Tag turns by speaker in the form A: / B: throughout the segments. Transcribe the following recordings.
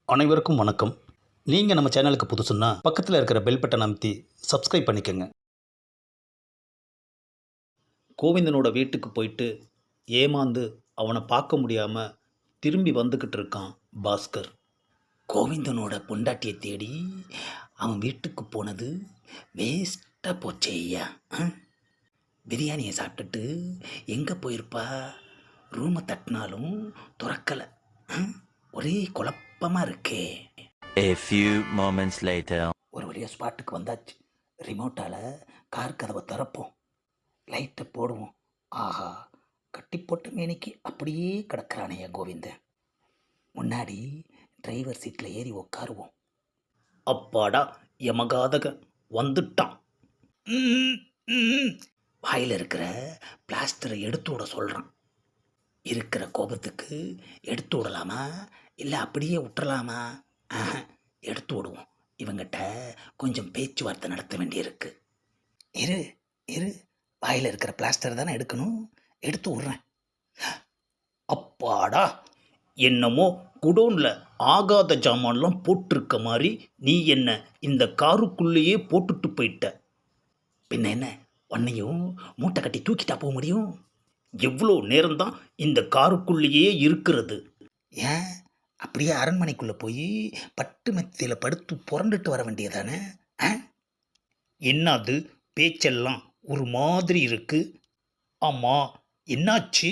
A: அனைவருக்கும் வணக்கம். நீங்கள் நம்ம சேனலுக்கு புதுசுன்னா பக்கத்தில் இருக்கிற பெல் பட்டனை அமைத்தி சப்ஸ்கிரைப் பண்ணிக்கோங்க. கோவிந்தனோட வீட்டுக்கு போயிட்டு ஏமாந்து அவனை பார்க்க முடியாமல் திரும்பி வந்துக்கிட்டு இருக்கான் பாஸ்கர். கோவிந்தனோட பொண்டாட்டியை தேடி அவன் வீட்டுக்கு போனது வேஸ்ட்டாக போச்சே ஐயா. பிரியாணியை சாப்பிட்டுட்டு எங்கே போயிருப்பா? ரூமை தட்டினாலும் திறக்கலை. ஒரே குழப்பமாக இருக்கே.
B: A few moments later.
A: ஒரு வழியாக ஸ்பாட்டுக்கு வந்தாச்சு. ரிமோட்டால் கார் கதவை திறப்போம், லைட்டை போடுவோம். ஆஹா, கட்டி போட்ட மேனிக்கு அப்படியே கிடக்கிறானையா கோவிந்தன். முன்னாடி டிரைவர் சீட்டில் ஏறி உட்காருவோம். அப்பாடா, யமகாதக வந்துட்டான். வாயில் இருக்கிற பிளாஸ்டரை எடுத்து விட சொல்கிறான். இருக்கிற கோபத்துக்கு எடுத்து விடலாமா இல்லை அப்படியே விட்டுறலாமா? எடுத்து விடுவோம். இவங்கிட்ட கொஞ்சம் பேச்சுவார்த்தை நடத்த வேண்டியிருக்கு. இரு இரு, வாயில் இருக்கிற பிளாஸ்டர் தானே எடுக்கணும், எடுத்து விட்றேன். அப்பாடா, என்னமோ குடோனில் ஆகாத ஜாமான்லாம் போட்டிருக்க மாதிரி நீ என்ன இந்த காருக்குள்ளேயே போட்டுட்டு போயிட்ட. பின்ன என்ன, உன்னையும் மூட்டை கட்டி தூக்கிட்டா போக முடியும்? எவ்வளோ நேரம்தான் இந்த காருக்குள்ளேயே இருக்கிறது? ஏன் அப்படியே அரண்மனைக்குள்ளே போய் பட்டு மெத்தையில் படுத்து புரண்டுட்டு வர வேண்டியதானே? என்னது பேச்செல்லாம் ஒரு மாதிரி இருக்கு? ஆமாம், என்னாச்சு?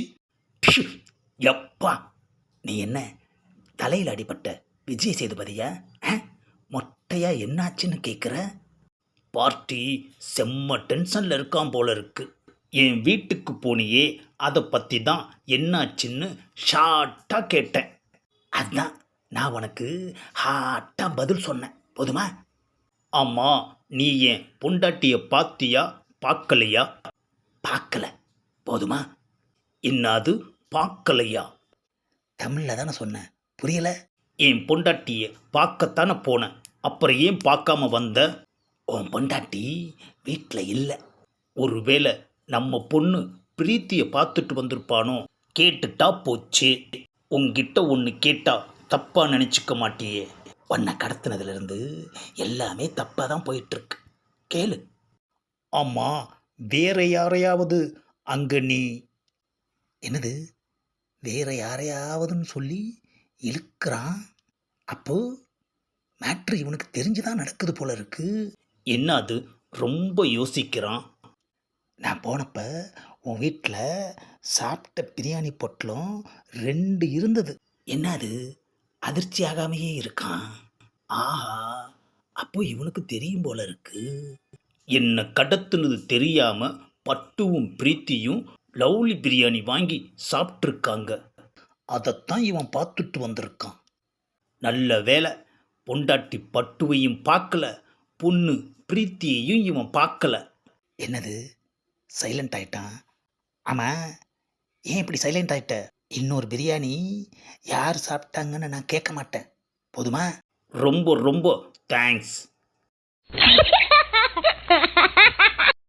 A: எப்பா, நீ என்ன தலையில் அடிபட்ட விஜய் சேதுபதியா? மொட்டையா என்னாச்சுன்னு கேட்குற? பார்ட்டி செம்ம டென்ஷனில் இருக்கான் போல இருக்கு. என் வீட்டுக்கு போனியே, அதை பற்றி தான் என்னாச்சுன்னு ஷார்ட்டாக கேட்டேன். அதுதான் நான் உனக்கு ஹாட்டாக பதில் சொன்னேன். போதுமா? ஆமாம், நீ என் பொண்டாட்டியை பார்த்தியா பார்க்கலையா? பார்க்கல. போதுமா? என்னது பார்க்கலையா? தமிழில் தானே சொன்னேன், புரியலை? என் பொண்டாட்டியை பார்க்கத்தானே போனேன், அப்புறம் ஏன் பார்க்காம வந்த? உன் பொண்டாட்டி வீட்டில் இல்லை. ஒருவேளை நம்ம பொண்ணு பிரீத்தியை பார்த்துட்டு வந்திருப்பானோ? கேட்டுட்டா போச்சு. உங்ககிட்ட ஒன்று கேட்டா தப்பாக நினச்சிக்க மாட்டியே. உன்னை கடத்தினதுலேருந்து எல்லாமே தப்பாக தான் போயிட்டுருக்கு. கேளு. ஆமாம், வேற யாரையாவது அங்கே நீ என்னது வேற யாரையாவதுன்னு சொல்லி இழுக்கிறான். அப்போ மேட்ரு இவனுக்கு தெரிஞ்சுதான் நடக்குது போல இருக்கு. என்ன அது, ரொம்ப யோசிக்கிறான். நான் போனப்ப உன் வீட்டில் சாப்பிட்ட பிரியாணி பொட்டலம் 2 இருந்தது. என்ன அது, அதிர்ச்சி ஆகாமையே இருக்கான். ஆஹா, அப்போ இவனுக்கு தெரியும் போல இருக்கு. என்ன கடத்துனது தெரியாம பட்டுவும் பிரீத்தியும் லவ்லி பிரியாணி வாங்கி சாப்பிட்ருக்காங்க. அதைத்தான் இவன் பார்த்துட்டு வந்திருக்கான். நல்ல வேலை, பொண்டாட்டி பட்டுவையும் பார்க்கல, பொண்ணு பிரீத்தியையும் இவன் பார்க்கல. என்னது, சைலண்ட் ஆயிட்டான்? ஆமாம், ஏன் இப்படி சைலண்ட் ஆயிட்ட? இன்னொரு பிரியாணி யார் சாப்பிட்டாங்கன்னு நான் கேட்க மாட்டேன். போதுமா? ரொம்ப ரொம்ப தேங்க்ஸ்.